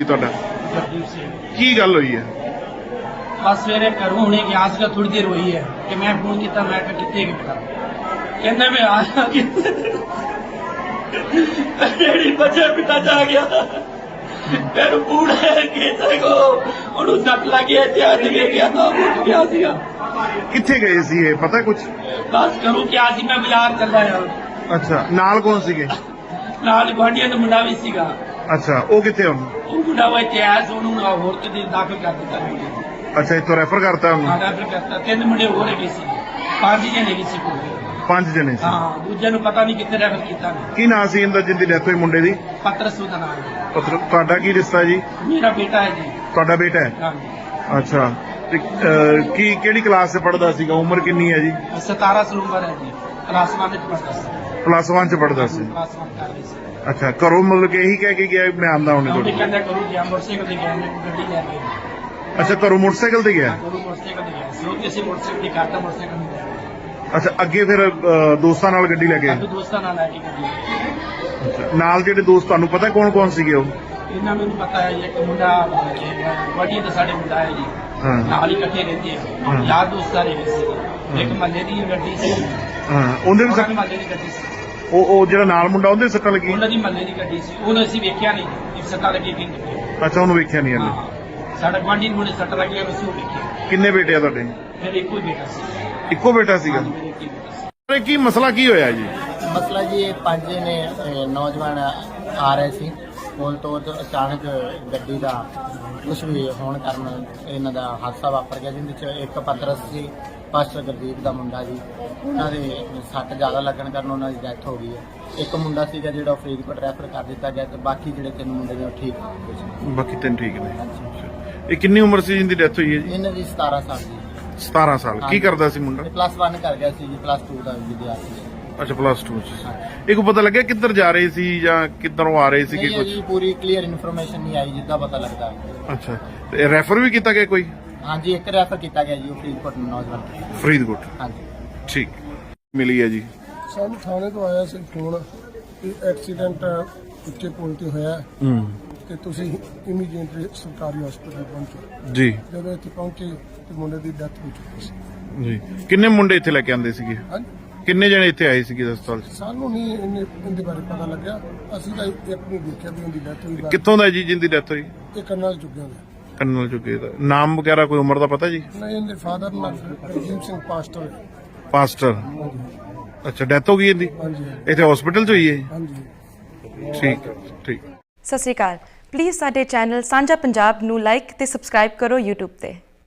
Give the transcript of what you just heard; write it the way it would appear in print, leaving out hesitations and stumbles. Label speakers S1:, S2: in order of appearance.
S1: ਤੁਹਾਡਾ
S2: गुरदीप सिंह
S1: ਕੀ ਗੱਲ ਹੋਈ ਹੈ?
S2: बस सवेरे घरों होने की आज का थोड़ी देर हुई है कि मैं फोन किया, मैं कितने बेटा कहना मैं आया कि बच्चा पिता जा गया मेरे बूढ़ा है कि देखो ਉਹਨੂੰ ਸੱਟ ਲੱਗੀ ਹੈ ਤੇ ਅੱਜ ਵੀ ਗਿਆ ਤਾਂ ਉੱਠ ਗਿਆ ਸੀਗਾ।
S1: ਕਿੱਥੇ ਗਏ ਸੀ ਇਹ ਪਤਾ ਕੁਝ?
S2: ਬਸ ਕਰੂੰ ਕਿ ਅੱਜ ਮੈਂ ਬਾਜ਼ਾਰ ਚੱਲਾ ਆ।
S1: ਅੱਛਾ, ਨਾਲ ਕੌਣ ਸੀਗੇ?
S2: ਨਾਲ ਗੁਆਂਢੀਆਂ ਦਾ ਮੁੰਡਾ ਵੀ ਸੀਗਾ।
S1: ਅੱਛਾ, ਉਹ ਕਿੱਥੇ ਹੁਣ?
S2: ਉਹ ਮੁੰਡਾ ਵਾ ਇੱਥੇ ਆਇਆ ਸੀ, ਉਹਨੂੰ ਹੋਰ ਕਿਤੇ ਦਾਖਲ ਕਰ ਦਿੱਤਾ ਗਿਆ।
S1: ਅੱਛਾ, ਇੱਥੋਂ ਰੈਫਰ ਕਰਤਾ ਉਹਨੂੰ?
S2: ਹਾਂ, ਰੈਫਰ ਕਰਤਾ। 3 ਮੁੰਡੇ ਹੋਰ ਹੈਗੇ ਸੀ, 5 ਜਣੇ ਹੈਗੇ ਸੀ ਕੋਲ।
S1: 5 ਜਣੇ ਸੀ?
S2: ਹਾਂ, ਦੂਜੇ ਨੂੰ ਪਤਾ ਨਹੀਂ ਕਿੱਥੇ ਰੈਫਰ ਕੀਤਾ।
S1: ਕੀ ਨਾਂ ਸੀ ਇਹਦਾ ਜਿੰਦੀ ਡੈਥ ਹੋਈ ਮੁੰਡੇ ਦੀ?
S2: ਪਤਰਸੂ ਦਾ ਨਾਮ ਹੈ।
S1: ਤੁਹਾਡਾ ਕੀ ਰਿਸ਼ਤਾ ਜੀ?
S2: ਮੇਰਾ ਬੇਟਾ ਹੈ ਜੀ।
S1: ਤੁਹਾਡਾ ਬੇਟਾ ਹੈ?
S2: ਹਾਂਜੀ।
S1: ਅੱਛਾ, ਤੇ ਕੀ ਕਿਹੜੀ ਕਲਾਸ 'ਚ ਪੜ੍ਹਦਾ ਸੀਗਾ? ਉਮਰ ਕਿੰਨੀ ਹੈ ਜੀ?
S2: 17 ਸਾਲ ਉਮਰ ਹੈ ਜੀ। ਕਲਾਸ 1 ਵਿੱਚ ਪੜ੍ਹਦਾ ਸੀ।
S1: ਪਲੱਸ 1 'ਚ ਪੜ੍ਹਦਾ ਸੀ?
S2: ਕਲਾਸ 1 ਕਰ ਰਹੀ ਸੀ।
S1: ਅੱਛਾ, ਘਰੋਂ ਮਤਲਬ ਕਿ ਇਹੀ ਕਹਿ ਕੇ ਗਿਆ ਮੈਂ ਆਉਂਦਾ ਹੁਣੇ
S2: ਉਹਨੇ
S1: ਕੋਲ?
S2: ਕਹਿੰਦਾ ਕਰੂ ਗਿਆ ਮੋਟਰਸਾਈਕਲ ਤੇ ਗਿਆ, ਮੈਂ ਗੱਡੀ ਲੈ ਕੇ।
S1: ਅੱਛਾ, ਘਰੋਂ ਮੋਟਰਸਾਈਕਲ ਤੇ ਗਿਆ?
S2: ਕਰੂ ਮੋਟਰਸਾਈਕਲ ਤੇ ਗਿਆ ਸੀ। ਉਹ ਕਿਸੇ ਮੋਟਰਸਾਈਕਲ ਦੀ ਕਰਦਾ ਮੋਟਰਸਾਈਕਲ ਨਹੀਂ ਗਿਆ।
S1: ਅੱਛਾ, ਅੱਗੇ ਫਿਰ ਦੋਸਤਾਂ ਨਾਲ ਗੱਡੀ ਲੈ ਕੇ?
S2: ਸਾਡੇ ਦੋਸਤਾਂ ਨਾਲ ਲੈ ਕੇ ਗੱਡੀ।
S1: ਅੱਛਾ, ਨਾਲ ਜਿਹੜੇ ਦੋਸਤ ਤੁਹਾਨੂੰ ਪਤਾ ਕੌਣ ਕੌਣ ਸੀਗੇ ਉਹ?
S2: ਇਹਨਾਂ ਮੈਨੂੰ ਪਤਾ ਹੈ ਜੀ, ਇੱਕ ਮੁੰਡਾ ਵੱਡੀ ਤਾਂ ਸਾਡੇ ਮੁੰਡਾ ਹੈ ਜੀ,
S1: ਹਾਂ
S2: ਨਾਲ ਹੀ ਇਕੱਠੇ ਰਹਿੰਦੇ ਆ।
S1: ਹਾਂ।
S2: ਯਾਰ ਦੋਸਤ ਸਾਰੇ ਹੈਗੇ ਸੀ। ਇੱਕ ਮਹੱਲੇ ਦੀ ਗੱਡੀ ਸੀ,
S1: ਹਾਂ, ਉਹਦੇ ਵੀ
S2: ਉਹਨਾਂ ਦੀ ਮਹੱਲੇ ਦੀ ਗੱਡੀ ਸੀ।
S1: ਉਹ ਜਿਹੜਾ ਨਾਲ ਮੁੰਡਾ ਉਹਦੇ ਸੱਟਾਂ ਲੱਗੀ?
S2: ਉਹਨਾਂ ਦੀ ਮਹੱਲੇ ਦੀ ਗੱਡੀ ਸੀ, ਉਹਨੂੰ ਅਸੀਂ ਵੇਖਿਆ ਨਹੀਂ ਕਿ ਸੱਟਾਂ ਲੱਗੀ ਕਿ ਨਹੀਂ ਲੱਗੀ।
S1: ਅੱਛਾ, ਉਹਨੂੰ ਵੇਖਿਆ ਨਹੀਂ ਇਹਨੇ?
S2: ਹਾਂ, ਸਾਡਾ ਗੁਆਂਢੀ ਨੂੰ ਸੱਟ ਲੱਗੀ, ਅਸੀਂ ਉਹ ਵੇਖਿਆ।
S1: ਕਿੰਨੇ ਬੇਟੇ ਆ ਤੁਹਾਡੇ?
S2: ਮੇਰੇ ਇੱਕੋ ਹੀ ਬੇਟਾ ਸੀ।
S1: ਇੱਕੋ ਬੇਟਾ ਸੀਗਾ?
S2: ਮੇਰੇ ਇੱਕ ਹੀ ਬੇਟਾ ਸੀ।
S1: ਅਰੇ ਕੀ ਮਸਲਾ ਕੀ ਹੋਇਆ ਜੀ?
S3: ਮਸਲਾ ਜੀ ਇਹ 5 ਨੇ ਨੌਜਵਾਨ ਆ ਰਹੇ ਸੀ ਪੁਲ ਤੋਂ ਤੇ ਅਚਾਨਕ ਗੱਡੀ ਦਾ ਕੁਛ ਵੀ ਹੋਣ ਕਾਰਨ ਇਹਨਾਂ ਦਾ ਹਾਦਸਾ ਵਾਪਰ ਗਿਆ, ਜਿਹਦੇ ਚ ਇੱਕ ਪਤਰਸ ਸੀ, ਪਾਸਟਰ ਗੁਰਦੀਪ ਦਾ ਮੁੰਡਾ ਜੀ। ਉਹਨਾਂ ਦੇ ਸੱਟ ਜ਼ਿਆਦਾ ਲੱਗਣ ਕਾਰਨ ਉਹਨਾਂ ਦੀ ਡੈਥ ਹੋ ਗਈ ਹੈ। ਇੱਕ ਮੁੰਡਾ ਸੀਗਾ ਜਿਹੜਾ ਫਰੀਦਕੋਟ ਰੈਫਰ ਕਰ ਦਿੱਤਾ ਗਿਆ ਤੇ ਬਾਕੀ ਜਿਹੜੇ 3 ਮੁੰਡੇ ਨੇ ਉਹ ਠੀਕ ਹੋ ਗਏ ਸੀ।
S1: ਬਾਕੀ 3 ਠੀਕ ਨੇ? ਇਹ ਕਿੰਨੀ ਉਮਰ ਸੀ ਜਿੰਦੀ ਡੈਥ ਹੋਈ ਹੈ ਜੀ?
S3: ਇਹਨਾਂ ਦੀ 17 ਸਾਲ ਦੀ।
S1: 17 ਸਾਲ। ਕੀ ਕਰਦਾ ਸੀ ਮੁੰਡਾ?
S3: ਪਲੱਸ 1 ਕਰ ਗਿਆ ਸੀ ਜੀ, ਪਲੱਸ 2 ਦਾ ਵਿਦਿਆਰਥੀ ਸੀ।
S1: ਅੱਛਾ, ਪਲੱਸ 2 ਚ। ਇਹ ਕੋ ਪਤਾ ਲੱਗਿਆ ਕਿੱਧਰ ਜਾ ਰਹੇ ਸੀ ਜਾਂ ਕਿੱਧਰੋਂ ਆ ਰਹੇ ਸੀ ਕਿ
S3: ਨਹੀਂ
S1: ਕੁਝ?
S3: ਜੀ, ਪੂਰੀ ਕਲੀਅਰ ਇਨਫੋਰਮੇਸ਼ਨ ਨਹੀਂ ਆਈ ਜਿੱਦਾਂ ਪਤਾ ਲੱਗਦਾ।
S1: ਅੱਛਾ, ਤੇ ਰੈਫਰ ਵੀ ਕੀਤਾ ਗਿਆ ਕੋਈ?
S3: ਹਾਂਜੀ, ਇੱਕ ਰੈਫਰ ਕੀਤਾ ਗਿਆ ਜੀ, ਉਹ ਫਰੀਦਕੋਟ ਨੌਜਵਾਨ।
S1: ਫਰੀਦਕੋਟ?
S3: ਹਾਂਜੀ।
S1: ਠੀਕ ਮਿਲੀ ਹੈ ਜੀ।
S4: ਸਾਨੂੰ ਥਾਣੇ ਤੋਂ ਆਇਆ ਸੀ ਫੋਨ ਕਿ ਐਕਸੀਡੈਂਟ ਉੱਚੇ ਪੁਲ ਤੇ ਹੋਇਆ ਤੇ ਤੁਸੀਂ ਇਮੀਡੀਏਟਲੀ ਸਰਕਾਰੀ ਹਸਪਤਾਲ ਪਹੁੰਚੋ।
S1: ਜੀ
S4: ਜਦੋਂ ਇੱਥੇ ਪਹੁੰਚੇ ਤੇ ਮੁੰਡੇ ਦੀ ਡੈਥ ਹੋ ਚੁੱਕੀ ਸੀ।
S1: ਜੀ। ਕਿੰਨੇ ਮੁੰਡੇ ਇੱਥੇ ਲੈ ਕੇ ਆਂਦੇ ਸੀਗੇ?
S4: ਹਾਂਜੀ,
S1: ਕਿੰਨੇ ਜਣੇ ਇੱਥੇ ਆਏ ਸੀਗੇ ਹਸਪਤਾਲ 'ਚ?
S4: ਸਾਨੂੰ ਨਹੀਂ ਇਹਦੇ ਬਾਰੇ ਪਤਾ ਲੱਗਿਆ। ਅਸੀਂ ਤਾਂ ਇੱਕ ਨੂੰ ਦੇਖਿਆ ਵੀ ਉਹਦੀ ਡੈਥ ਹੋਈ।
S1: ਕਿੱਥੋਂ ਦਾ ਜੀ ਜਿੰਦੀ ਡੈਥ ਹੋਈ?
S4: ਇਹ ਕਰਨਲ ਚੁੱਕਿਆ ਗਿਆ।
S1: ਕੰਨਲ ਚੁੱਕੇ ਦਾ ਨਾਮ ਵਗੈਰਾ ਕੋਈ ਉਮਰ ਦਾ ਪਤਾ ਜੀ?
S4: ਨਹੀਂ, ਇਹਦੇ ਫਾਦਰ ਨਾਲ ਰਜੀਵ ਸਿੰਘ ਪਾਸਟਰ।
S1: ਪਾਸਟਰ? ਅੱਛਾ, ਡੈਥ ਹੋ ਗਈ ਇਹਦੀ?
S4: ਹਾਂਜੀ
S1: ਇੱਥੇ ਹਸਪੀਟਲ 'ਚ ਹੋਈ ਹੈ?
S4: ਹਾਂਜੀ।
S1: ਠੀਕ ਠੀਕ।
S5: ਸਤਿ ਸ਼੍ਰੀ ਅਕਾਲ। ਪਲੀਜ਼ ਸਾਡੇ ਚੈਨਲ ਸਾਂਝਾ ਪੰਜਾਬ ਨੂੰ ਲਾਈਕ ਤੇ ਸਬਸਕ੍ਰਾਈਬ ਕਰੋ YouTube ਤੇ।